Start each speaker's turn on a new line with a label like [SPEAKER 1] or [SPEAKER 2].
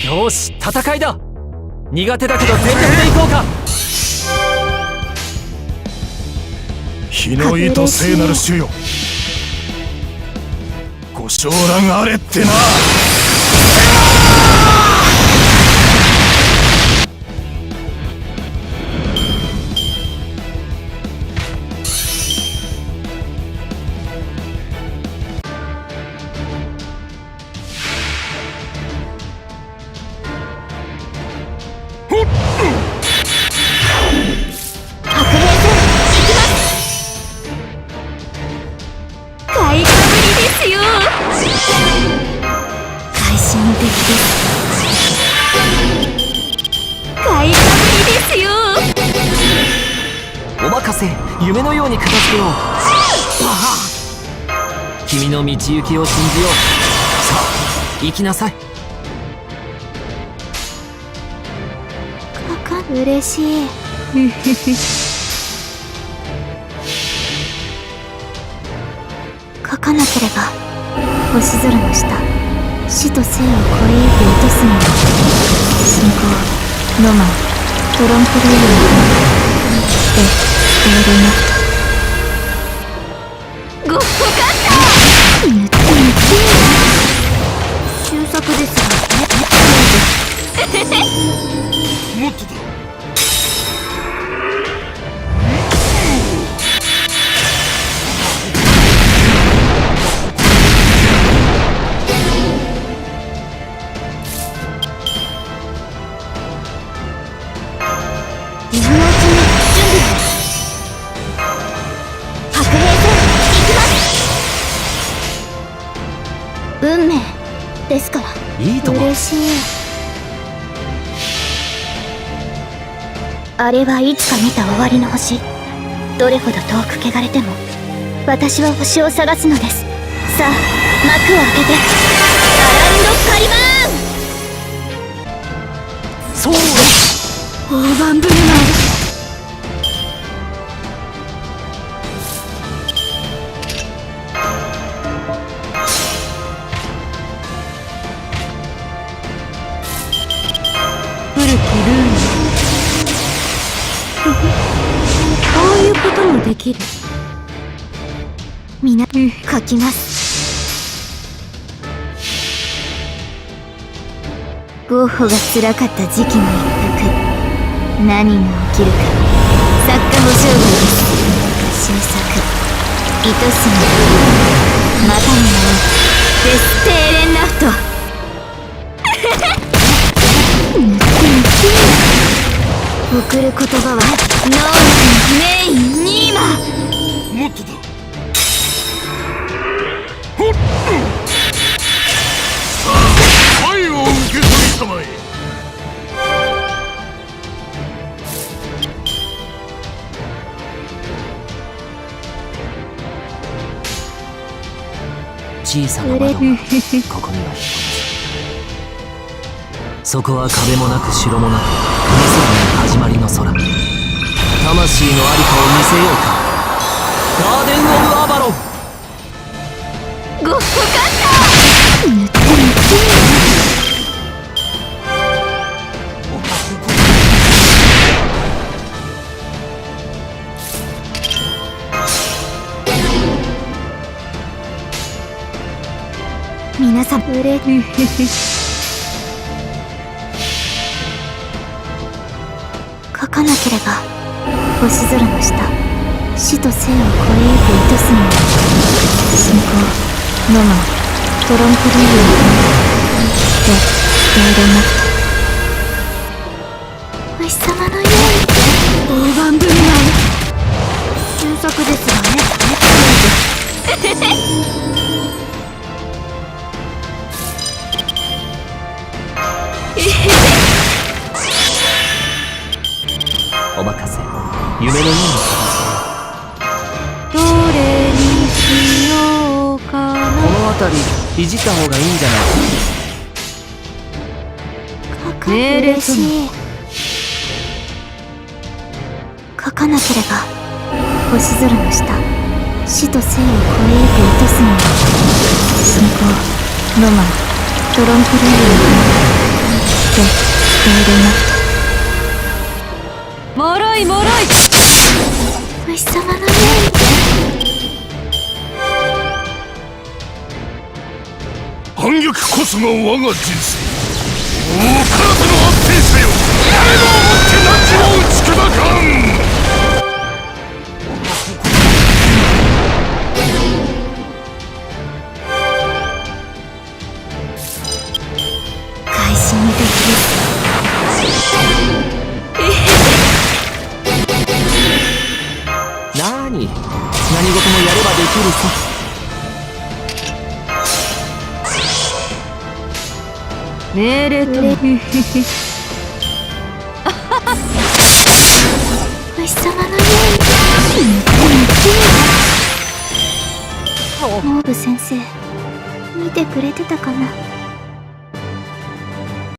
[SPEAKER 1] よし、戦いだ。苦手だけど全力でいこうか。
[SPEAKER 2] 日の糸聖なる主よ、ご昇覧あれってな。
[SPEAKER 1] お任せ、夢のように片付けよう。君の道行きを信じよう。さあ、行きなさい。
[SPEAKER 3] 嬉しい。書かなければ星空の下、死と生を超えゆく糸澄みの信仰、ロマン、トロンプルームで伝えるな。ごっこかった。終作ですが
[SPEAKER 2] もっとだ。
[SPEAKER 3] 今のうちに準備白兵戦行きます。運命ですから。
[SPEAKER 1] いいとも。
[SPEAKER 3] 嬉しい。あれはいつか見た終わりの星。どれほど遠く汚れても私は星を探すのです。さあ、幕を開けてアランドカリバーン。
[SPEAKER 1] そうだ。
[SPEAKER 3] 大盤振る舞い。古きルール。こういうこともできる。みな、書きます。ゴッホが辛かった時期の一服。何が起きるか。作家保証外です。終作、糸澄み、またの名をデス・テーレンナフト。送る言葉はノーメインニーマ。
[SPEAKER 2] もっとだ。さあ、愛を受け取りたまえ。
[SPEAKER 1] 小さな窓がここには一つ。そこは壁もなく城もなく、空に始まりの空。魂のありかを見せようか。ガーデン・オブ・アバロン。
[SPEAKER 3] ごっこかった皆さんうれ書かなければ星空の下、死と生を超えゆく糸澄みの信仰、ロマン、トロンプルームで伝えるな。星様のように大盤振る舞い。終作ですがね。
[SPEAKER 1] お任せ、夢のように
[SPEAKER 3] どれにしようかな。
[SPEAKER 1] この辺りいじった方がいいんじゃないか。
[SPEAKER 3] 命令しい。書かなければ星空の下、死と生を超えゆく糸澄みの信仰、ロマン、トロンプルームて伝えるな。
[SPEAKER 4] もろいもろい。
[SPEAKER 3] 虫様の命。
[SPEAKER 2] 反逆こそが我が人生。もう体の安定さよ、誰もをもって何を打ち砕かん。
[SPEAKER 3] 開始にできる。
[SPEAKER 1] なーに、何事もやればできるさ。
[SPEAKER 4] 命令とも
[SPEAKER 3] 虫様の命。モーブ先生、見てくれてたかな。